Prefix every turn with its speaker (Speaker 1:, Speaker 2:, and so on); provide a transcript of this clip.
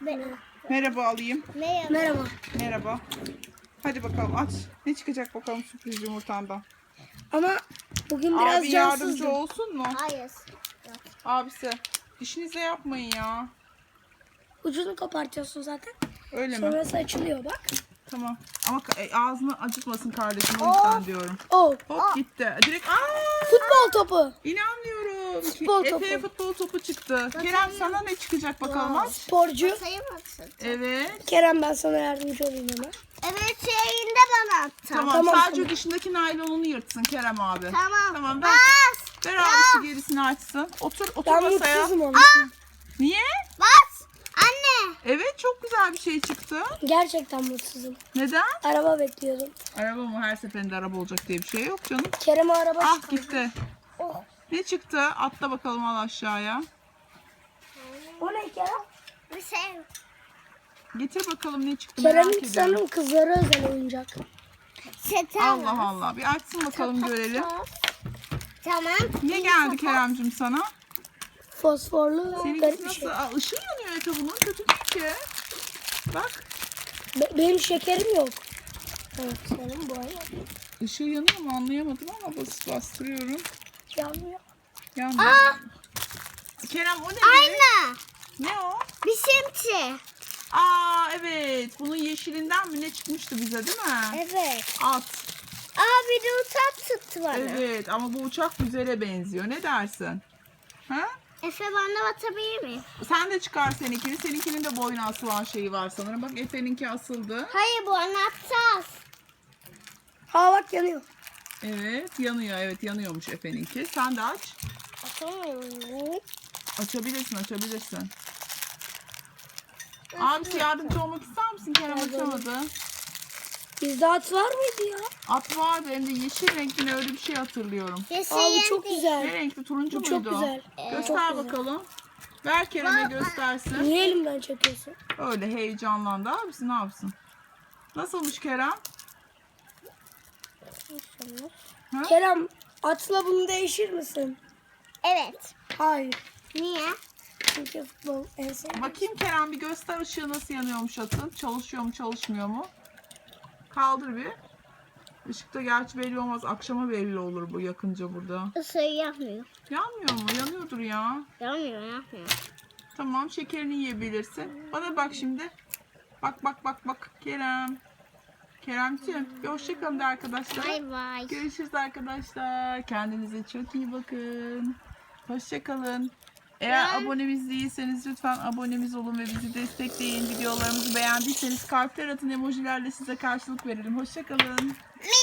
Speaker 1: Merhaba alayım.
Speaker 2: Merhaba.
Speaker 1: Merhaba. Hadi bakalım aç. Ne çıkacak bakalım sürpriz yumurtandan.
Speaker 2: Ama bugün biraz
Speaker 1: Abi yardımcı
Speaker 2: cansızdım.
Speaker 1: olsun mu?
Speaker 3: Hayır.
Speaker 1: Abisi. İşinize yapmayın ya.
Speaker 2: Ucunu kopartıyorsun zaten.
Speaker 1: Öyle mi?
Speaker 2: Sonrası açılıyor bak.
Speaker 1: Tamam. Ama ağzını acıtmasın kardeşim. O yüzden diyorum.
Speaker 2: Oh.
Speaker 1: Hop gitti. Direkt
Speaker 2: Futbol topu.
Speaker 1: İnanmıyorum.
Speaker 2: Futbol
Speaker 1: Efe'ye
Speaker 2: topu.
Speaker 1: futbol topu çıktı. Kerem sana ne çıkacak bakalım aç.
Speaker 2: Sporcu.
Speaker 3: Sayamazsın.
Speaker 1: Evet.
Speaker 2: Kerem ben sana yardımcı olayım hemen.
Speaker 3: Evet şeyinde bana attı.
Speaker 1: Tamam,
Speaker 2: Tamam,
Speaker 1: sadece
Speaker 2: tamam.
Speaker 1: dışındaki naylonunu yırtsın Kerem abi.
Speaker 3: Tamam.
Speaker 1: Tamam
Speaker 3: Bas.
Speaker 1: ver abisi gerisini açsın. Otur
Speaker 2: Ben
Speaker 1: masaya.
Speaker 2: mutsuzum onun.
Speaker 1: Niye?
Speaker 3: Bas. Anne.
Speaker 1: Evet çok güzel bir şey çıktı.
Speaker 2: Gerçekten mutsuzum.
Speaker 1: Neden?
Speaker 2: Araba bekliyordum.
Speaker 1: Araba mı? Her seferinde araba olacak diye bir şey yok canım.
Speaker 2: Kerem'e araba
Speaker 1: Ah
Speaker 2: çıkardı.
Speaker 1: gitti.
Speaker 2: Oh.
Speaker 1: Ne çıktı? Atla bakalım al aşağıya.
Speaker 2: O ne Kerem?
Speaker 3: Bir şey.
Speaker 1: Getir bakalım ne çıktı merak
Speaker 2: Kerem'in
Speaker 1: ediyorum.
Speaker 2: sanırım kızlara özel oyuncak.
Speaker 1: Allah Allah. Bir açsın bakalım görelim.
Speaker 3: Tamam.
Speaker 1: Ne geldi Keremcim sana?
Speaker 2: Fosforlu garip
Speaker 1: Seninkisi
Speaker 2: bir
Speaker 1: nasıl?
Speaker 2: şey.
Speaker 1: Aa, ışığı yanıyor Efe bunun. Kötü değil ki. Bak.
Speaker 2: Benim şekerim yok. Evet senin bu ay
Speaker 1: Işığı yanıyor mu anlayamadım ama bastırıyorum.
Speaker 2: yanmıyor.
Speaker 1: Yanmıyor. Kerem o ne?
Speaker 3: Anne.
Speaker 1: Ne o?
Speaker 3: Bir simti.
Speaker 1: Aa evet. Bunun yeşilinden mi ne çıkmıştı bize değil mi?
Speaker 3: Evet.
Speaker 1: At.
Speaker 3: Bir de uçak tuttu bana.
Speaker 1: Evet ama bu uçak güzele benziyor. Ne dersin? Ha?
Speaker 3: Efe bana batabilir miyim?
Speaker 1: Sen de çıkar seninkini. Seninkinin de boyuna asılan şeyi var sanırım. Bak Efe'ninki asıldı.
Speaker 3: Hayır bu anahtar.
Speaker 2: Ha bak yanıyor.
Speaker 1: Evet yanıyor. Evet yanıyormuş Efe'ninki. Sen de aç.
Speaker 3: Açamıyorum.
Speaker 1: Açabilirsin. Abisi yardımcı olmak ister misin? Kerem açamadı.
Speaker 2: Bizde at var mıydı ya?
Speaker 1: At vardı hem de yeşil renkli öyle bir şey hatırlıyorum.
Speaker 2: Aa bu çok
Speaker 1: Ne
Speaker 2: güzel.
Speaker 1: renkli? Turuncu
Speaker 2: Bu çok
Speaker 1: muydu?
Speaker 2: güzel.
Speaker 1: Göster
Speaker 2: Çok güzel.
Speaker 1: bakalım. Ver Kerem'e göstersin.
Speaker 2: Niye elimden çekiyorsun?
Speaker 1: Öyle heyecanlandı abisi ne yapsın? Nasılmış Kerem? Ha?
Speaker 2: Kerem atla bunu değişir misin?
Speaker 3: Evet.
Speaker 2: Hayır.
Speaker 3: Niye?
Speaker 2: Çünkü futbol en sevdiğim.
Speaker 1: Bakayım Kerem bir göster ışığı nasıl yanıyormuş atın. Çalışıyor mu çalışmıyor mu? Kaldır bir. Işıkta gerçi belli olmaz. Akşama belli olur bu yakınca burada.
Speaker 3: Isığı yapmıyor.
Speaker 1: Yanmıyor mu? Yanıyordur ya.
Speaker 3: Yapmıyor.
Speaker 1: Tamam şekerini yiyebilirsin. Bana bak şimdi. Bak Kerem. Keremciğim bir hoşça kalın de arkadaşlar.
Speaker 3: Bay bay.
Speaker 1: Görüşürüz arkadaşlar. Kendinize çok iyi bakın. Hoşça kalın. Eğer abonemiz değilseniz lütfen abonemiz olun ve bizi destekleyin. Videolarımızı beğendiyseniz kalpler atın, emojilerle size karşılık verelim. Hoşça kalın.